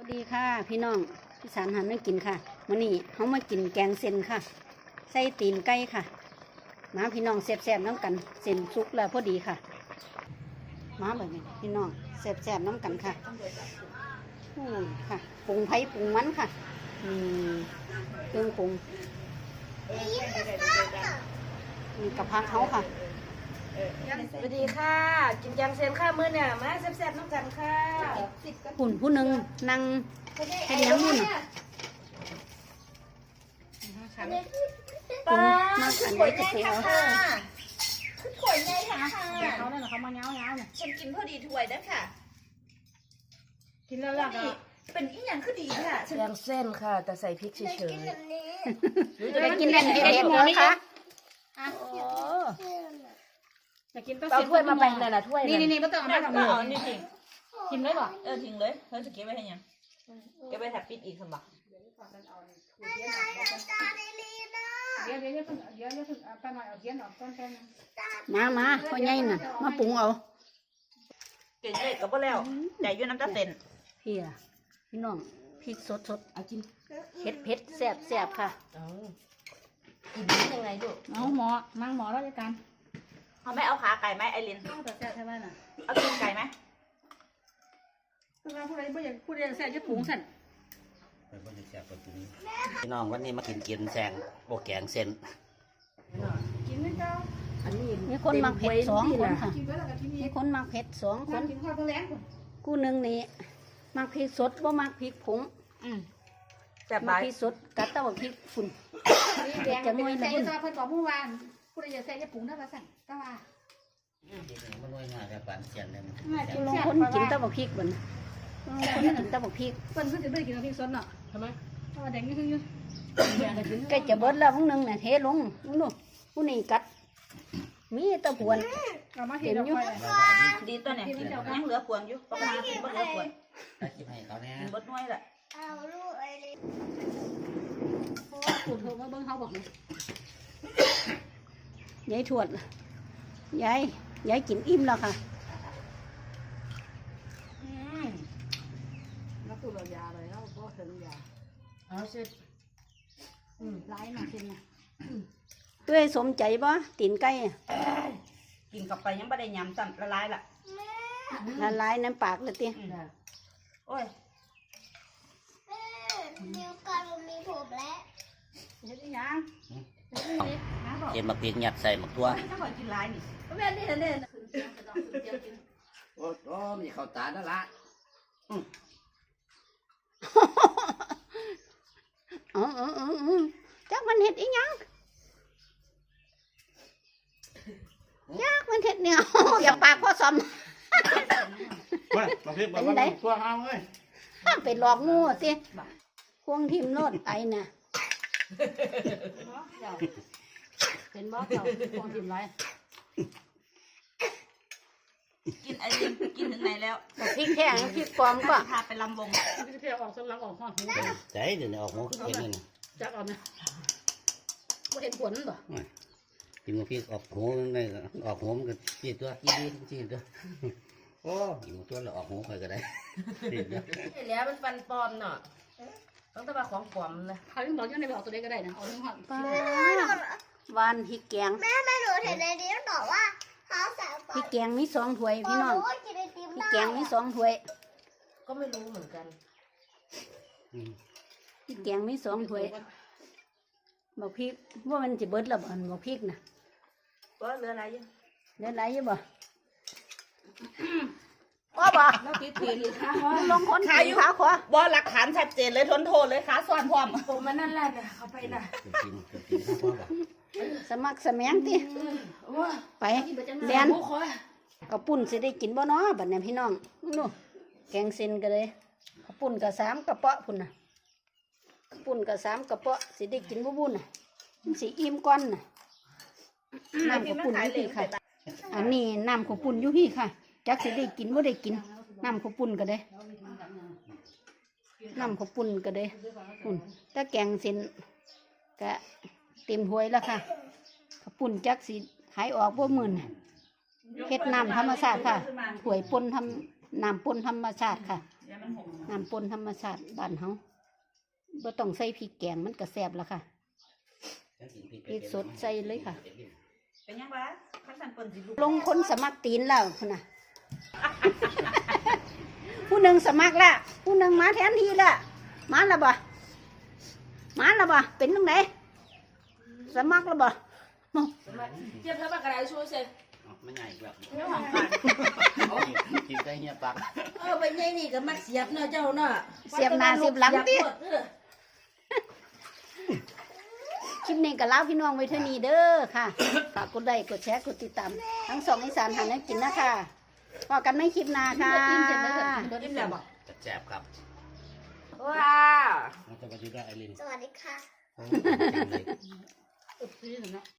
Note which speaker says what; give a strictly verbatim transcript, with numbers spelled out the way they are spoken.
Speaker 1: ดีค่ะพี่น้องพี่สารหันไม่กินค่ะวันนี้เขามากินแกงเส้นค่ะใส่ตีนไก่ค่ะมาพี่น้องแซ่บๆน้ำกันเส้นสุกแล้วพอดีค่ะมาแบบนี้พี่น้องแซ่บๆน้ำกันค่ะอู้ค่ะปรุงไผ่ปรุงมันค่ะอืมเครื่องปรุงมีกระเพราเขาค่ะ
Speaker 2: สวัสดีค่ะกินแกงเส้นข้าวมื้อเนี่ยมาแซ่บๆน้ำกันค่ะ
Speaker 1: หุ่นผู้หนึ่งนั่งเป็นยังมุ่นอ่ะปรุงมาอันนี้จะเสียเอา
Speaker 3: คือถ้วยใหญ่ค่ะ
Speaker 2: เขาเนี่ยเขามาเงาเงาเนี่ย
Speaker 3: ฉันกินพอดีถ้วยนะค่ะ
Speaker 2: กินแล้วล่ะ
Speaker 3: นี่เป็นอีหยังคือดีค่ะฉัน
Speaker 2: แกงเส้นค่ะแต่ใส่พริกเฉย
Speaker 3: กินแบบนี้
Speaker 2: ๆ
Speaker 1: จะกินได้เด็ดๆเลยค่ะโอ้
Speaker 2: จะกินต้องเอาถ้วยมาแบ่งเลยนะถ้วย
Speaker 4: นี่นี่นี่ไม่ต้องเอามาทำ
Speaker 3: อ๋
Speaker 4: เลย
Speaker 3: อนี่ทิ้ง
Speaker 2: กินได้ป่ะ
Speaker 3: เออทิ้งเลยเธอจะเก็บไว้ให้ยังเก็บไว้แถบปิดอีกสมบัติ
Speaker 4: เดี๋ยวเดี๋ยวเดี๋ยวเพิ่งเดี๋ยวเดี๋ยวเพิ่งเอาไปหน่อยเอาเทียนออกก้อนแค่นั้น
Speaker 1: มามาพ่อใหญ่น่ะมาปรุงเอา
Speaker 3: เก่งเลยก็บ่แล้วใจยุ่น้ำตาเต็น
Speaker 1: พี่อะพี่น้องพริกสดสดเอากินเผ็ดเผ็ดแซ่บแซ่บค่ะ
Speaker 2: กินได้ยังไงลูก
Speaker 4: เอาหมอนั่งหมอแล้วกัน
Speaker 3: เขาไม่เอาขาไก่ไหมไอริน
Speaker 4: เอาแต่แซ่บใช่ไหมน่ะ
Speaker 3: เอาตีนไก่ไหม
Speaker 4: ผู้ใดผู้ใดผู้ใดผู้ใดแซ่บจะปรุงสั่น
Speaker 5: พี่น้องวันนี้มากินกินแซงโบแกงเส้น
Speaker 4: กินไม่เจ้า
Speaker 2: อันนี้
Speaker 1: มีคนมักเผ็ดสองคนค่ะ
Speaker 4: กินไว้แล้วก็ที่มี
Speaker 1: มีคนมักเผ็ดสองค
Speaker 4: คน
Speaker 1: น
Speaker 4: กินข้าวตัวแรงคน
Speaker 1: กูหนึ่งนี่มักพริกสดบ่มักพริกผง
Speaker 3: แซ่บ
Speaker 1: มั
Speaker 3: ร้าก ย
Speaker 1: พริกสดกัดแต่ว่าพริกฝุ่น
Speaker 4: นี่แดงเป็นแซ่บจะเพิ่นบอกเมื่อวานผู้ใดจะแซ่บจะปรุงได้ละสั่นก็ว่า
Speaker 5: มันน้อยง่ายแต่ปานเสียนเลย
Speaker 1: กูลงคนกินแต่ว่าพริกบ่นลงคนกินแต่ว่าพริก
Speaker 4: เพิ่นเพิ่นจะไม่กินพริกสดเนาะ
Speaker 2: ทำไม
Speaker 4: เพราะว่าแดงนี่คืออยู่
Speaker 1: ใกล้จะเบิดแล้วพวกนึงน่ะเทลงมึงดูผู้นี้กัดมีแตะพวน
Speaker 4: เอามาเห็นอยู่
Speaker 3: ดีตัวเนี่ยยังเหลือพวงอยู่ปกติกินบ่เหลือพวง
Speaker 5: คิดให้เขาเนี่ย
Speaker 3: กินบดน้อยแหละเอาลูกไอริน
Speaker 4: ถูกโทรมาเบิ่งเขาบอกเลย
Speaker 1: ยายทวดยายยายกินอิ่มแล้วค่ะ
Speaker 4: แล้วตู้เรายาเลยแล้วก็ถึงยา
Speaker 2: เอาเสร็จ
Speaker 4: อืมร้ายมาเช่นน่ะ
Speaker 1: เอ้ยสมใจบ่ตีนไก่อะ
Speaker 3: กินกับไปยังไม่ได้ยำซ้ำละลายละ
Speaker 1: ละลายน้ำปากเลยติ
Speaker 3: โอ้ย
Speaker 6: นิ้วก้อยมันมีผมแล้ว
Speaker 4: เฮ็ดอีหยังเฮ็ดอีหยังหาบอก
Speaker 5: เห็นมาพริกหยัดใส่หมักทั่ว
Speaker 3: ถ้าก่อนกินลายนี่
Speaker 4: แม่นี่เด้ขึ้นเสียงกระดองขึ้นเสียงกิน
Speaker 5: โอ้โหมีข้าวตาแล้วละ
Speaker 1: อ๋ออ๋ออ๋ออ๋อจักมันเห็ดอีหยังจักมันเห็ดเนี่ย อย่าปากพ่อซอม
Speaker 7: มาบางทีบอกว่ามันตัวเอาเอ้ย
Speaker 1: ไปหลอกงูสิควงทิมโลดไอน่ะ
Speaker 4: เป็นบ่เจ้าคงกินไร
Speaker 3: กินไอรินกินถึงไหนแล้ว
Speaker 1: บอกพริกแห้งพริกปลอมก็
Speaker 3: พาไปลำวง
Speaker 4: พี่เพียออกสำลักออกห้องหู
Speaker 5: ใจเดี๋ยวนี้ออกหมูเห็นเลยนะ
Speaker 4: จักเอาเนี่ยบ่เห็นผลบ่
Speaker 5: กินมาพริกออกหูนี่ออกหูมันก็จีตัวจีดีจีตัวโอ้กินมาตัวแล้วออกหูใครก็ได้จีตัว
Speaker 2: ไอ้เหลี้ยมันฟันปลอมเนาะต้องแต่ว่าของปลอมเลย
Speaker 4: เขาถึงบอกยังได้ไปออกตัวเด็กก็ได้นะเอาทั้งห้อง
Speaker 1: ป้าวานพริกแกง
Speaker 6: แม่แม่หนูเห็นในนี้มันบอกว่าเขาใส่ไป
Speaker 1: พริกแกงมีสองถ้วยพี่น้อง
Speaker 6: ว่ากินไอติม
Speaker 1: พริก
Speaker 6: ได้
Speaker 1: แกงมีสองถ้วย
Speaker 2: ก็ไม่รู้เหมือนกัน
Speaker 1: พริกแกงมีสองถ้วยบอกพริกว่ามันจะเบิดแล้วบ่บอกพริกน่ะ
Speaker 3: ก็เหลืออะไรอยู่
Speaker 1: เดี๋ยวไหลอยู่บ่ว่าบ่
Speaker 4: แล้วติดตีนค่ะ
Speaker 1: ลงคนกินขาขวา
Speaker 3: บ่หลักฐานชัดเจนเลยทนโทษเลยขาซ้อนพร้อม
Speaker 2: ผมมันนั่นแหละเนี่ยเขาไปน่ะ
Speaker 5: กินกินข้าวพ่อบอก
Speaker 1: สมัครสมังติไปเรียนกระปุ่นสิได้กินบ่เนาะบัดนี้พี่น้องนู่แกงเส้นก็เลยกระปุ่นกับสามกระเปาะพุ่นน่ะกระปุ่นกับสามกระเปาะสิได้กินบ่บุ่นน่ะมันสิอิ่มก่อนน่ะน้ำกระปุ่นอยู่พี่ค่ะ อันนี้น้ำกระปุ่นอยู่พี่ค่ะจักสิได้กินบ่ได้กินน้ำกระปุ่นก็ได้น้ำกระปุ่นก็ได้ปุ่นแต่แกงเส้นก็เต็มถ้วยแล้วค่ะกระปุ่นจักสิหายออกบ่มื้อน่ะ เฮ็ดน้ำธรรมชาติค่ะหวยปนทำน้ำปนธรรมชาติค่ะ
Speaker 3: เดี๋ยวมันหก
Speaker 1: น้ำปนธรรมชาติบ้านเฮาบ่ต้องใส่พริกแกงมันก็แซ่บแล้วค่ะพริกสดใส่เลยค่ะ
Speaker 3: เป็นยังวะขั้นสันเปิ้นสิลูก
Speaker 1: ลงคนสมัครตีนแล้วพุ่นน่ะ ผู้หนึ่งสมัครละผู้หนึ่งมาแทนที่ละมาแล้วบ่มาแล้วบ่เป็นตรงไหนสมัครแล้วบ่
Speaker 2: เทียบเท่าปากกระไรชูเสร็จ
Speaker 5: ไม่ใหญ่แบบ
Speaker 3: เรื่องของปาก
Speaker 5: กินใกล้เฮียปาก
Speaker 2: เออไปไงนี่ก็มักเสียบเนาะเจ้าเนาะ
Speaker 1: เสียบหน้าเสียบหลังติ
Speaker 2: เสียบหมดเออ
Speaker 1: คลิปนี้ก็ลาพี่น้องไว้เท่านี้เด้อค่ะฝากกดไลค์กดแชร์กดติดตามทั้งสองอีสานหันให้กินนะคะพอกันไม่คลิปหน้าค่ะ
Speaker 4: อิ่มเสร็จแล้วเดี๋ยว
Speaker 2: อิ่มแล้วบ่
Speaker 5: แซ่บครับ
Speaker 2: ว้า
Speaker 5: สวัสดีครับไอริน
Speaker 6: สวัสดีค่ะ
Speaker 5: โอ้ยจังเลย
Speaker 4: เออซื้อเถอะเนาะ